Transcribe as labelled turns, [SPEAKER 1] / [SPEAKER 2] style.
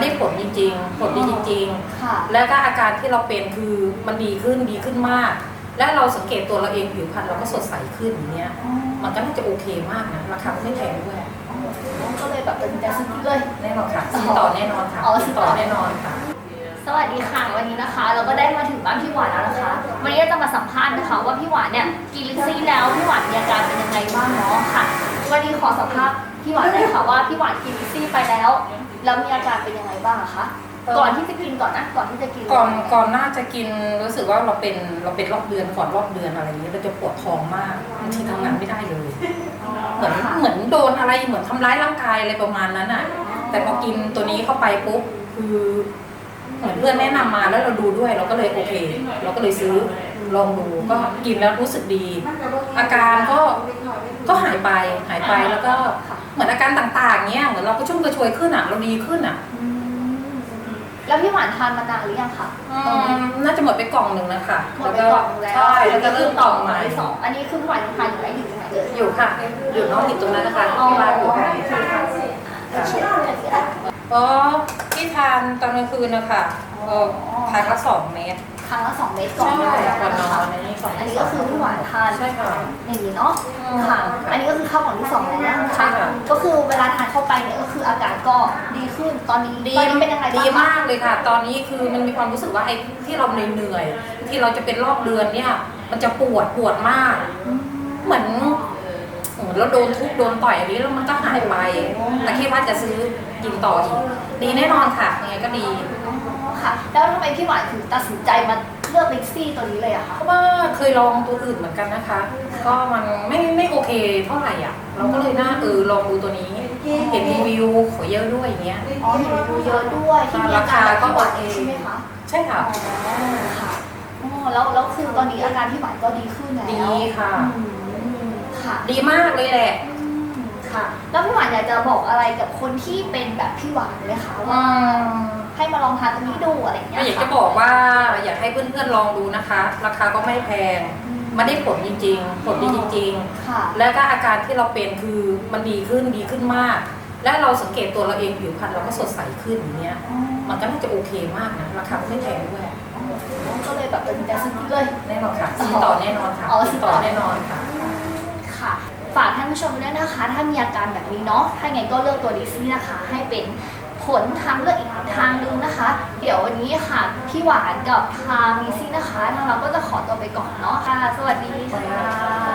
[SPEAKER 1] ได้ผลจริงๆผลดีจริง
[SPEAKER 2] ค่ะ
[SPEAKER 1] ๆแล้วก็อาการที่เราเป็นคือมันดีขึ้นมาก และเราสังเกตตัวเราเองผิวพรรณเราก็สดใสขึ้นอย่างเงี้ยมันก็น่าจะโอเคมากนะราคาไม่แพงด้วย
[SPEAKER 2] ก็เลยแบบเป็นใจซื้อเลย
[SPEAKER 1] แน่นอนค่ะซื้อต่อแน่นอนค่ะซื้อต่อแน่นอนค่ะ
[SPEAKER 2] สวัสดีค่ะวันนี้นะคะ เราก็ได้มาถึงบ้านพี่หวานแล้วนะคะวันนี้เราจะมาสัมภาษณ์นะคะว่าพี่หวานเนี่ยกินลิซี่แล้วพี่หวานมีอาการเป็นยังไงบ้างเนาะค่ะวันนี้ขอสัมภาษณ์พี่หวานเลยค่ะว่าพี่หวานกินลิซี่ไปแล้วมีอาการเป็นยังไงบ้างคะก่อนที่จะกินก่อนนะก่อนที่จะกิน
[SPEAKER 1] ก่อนน่าจะกินรู้สึกว่าเราเป็นรอบเดือนก่อนรอบเดือนอะไรอย่างนี้เราจะปวดท้องมากบางทีทำงานไม่ได้เลยเหมือนโดนอะไรเหมือนทำร้ายร่างกายอะไรประมาณนั้นอ่ะแต่พอกินตัวนี้เข้าไปปุ๊บคือเหมือนเพื่อนแนะนำมาแล้วเราดูด้วยเราก็เลยโอเคเราก็เลยซื้อลองดูก็กินแล้วรู้สึกดี อาการก็หายไปแล้วก็เหมือนอาการต่างๆเงี้ยเหมือนเราก็ชุ่มกระชวยขึ้นอ่ะเราดีขึ้นอ่ะ
[SPEAKER 2] แล้วพี่หวานทานมานานหรือยังคะ
[SPEAKER 1] น่าจะหมดไปกล่องหนึ่งนะคะ
[SPEAKER 2] หมดไปกล่องแล้ว
[SPEAKER 1] ใช่แล้วก็เริ่มต่อใหม่
[SPEAKER 2] สองอันนี้คือพี่หวานทานอยู่ไหนอยู่ตรงไหนเลย
[SPEAKER 1] อยู่ค่ะอยู่น้องติดตรงนั้นนะคะที่บ้านอยู่ค่ะอ๋อที่ทานตอนกลางคืนนะคะทานละ2 เม็ด
[SPEAKER 2] ครั้งละ2 เม็ดก่อนนอนนะคะอันนี้ก็คือพี่หวานทาน
[SPEAKER 1] ใช่ค่ะ
[SPEAKER 2] อย่างนี้เนาะค่ะอันนี้ก็คือเข้ากล่องที่2แล้วนะคะก็คือเวลาทานเข้าไปเนี่ยก็คืออาการก็ดีขึ้นตอนนี้เป็นยังไง
[SPEAKER 1] ดีมากเลยค่ะ ตอนนี้คือมันมีความรู้สึกว่าไอ้ที่เราเหนื่อยที่เราจะเป็นรอบเดือนเนี่ยมันจะปวดมากเหมือนเราโดนทุบโดนต่อยอันนี้แล้วมันก็หายไปแต่คิดว่าจะซื้อกินต่ออีกดีแน่นอนค่ะยังไงก็ดี
[SPEAKER 2] ค่ะแล้วทำไมพี่หวานถึงตัดสินใจมาเลือกลิกซี่ตัวนี้เลยอะคะ
[SPEAKER 1] เพราะว่าเคยลองตัวอื่นเหมือนกันนะคะก็มันไม่โอเคเท่าไหร่อ่ะเราก็เลยน่าลองดูตัวนี้เห็นรีวิวขอเยอะด้วยอย่างเงี้ย
[SPEAKER 2] เห็นรีวิวเยอะด้วยที่มีอาการก็หวานเองใช่ไหมคะ
[SPEAKER 1] ใช่ค่ะ
[SPEAKER 2] ค่ะแล้วคือตอนนี้อาการพี่หวานก็ดีขึ้นแล้ว
[SPEAKER 1] ดีค่ะ
[SPEAKER 2] ค่ะ
[SPEAKER 1] ดีมากเลยแหละ
[SPEAKER 2] ค่ะแล้วพี่หวานอยากจะบอกอะไรกับคนที่เป็นแบบพี่หวานไหมคะว่าให้มาลองทานตัวนี้ดูอะไรอย่างเงี้ย
[SPEAKER 1] อยากจะบอกว่าอยากให้เพื่อนๆลองดูนะคะราคาก็ไม่แพงมันได้ผลจริงๆผลดีจริงๆแล้วก็อาการที่เราเป็นคือมันดีขึ้นมาก และเราสังเกตตัวเราเองผิวพรรณเราก็สดใสขึ้นอย่างเงี้ยมันก็น่าจะโอเคมากนะราคาไม่แพงด้วย
[SPEAKER 2] ก็เลยแบบเป็นใจซื้อเลย
[SPEAKER 1] แน่นอนค่ะซื้อต่อแน่นอนค่ะซื้อต่อแน่นอนค่ะ
[SPEAKER 2] ค่ะฝากท่านผู้ชมด้วยนะคะถ้ามีอาการแบบนี้เนาะถ้าไงก็เลือกตัวลิซี่นะคะให้เป็นผลทางเลือกอีกทางนึงนะคะ เดี๋ยววันนี้ค่ะพี่หวานกับทางลิซี่นะคะทางเราก็จะขอตัวไปก่อนเนาะค่ะสวัสดีค่ะ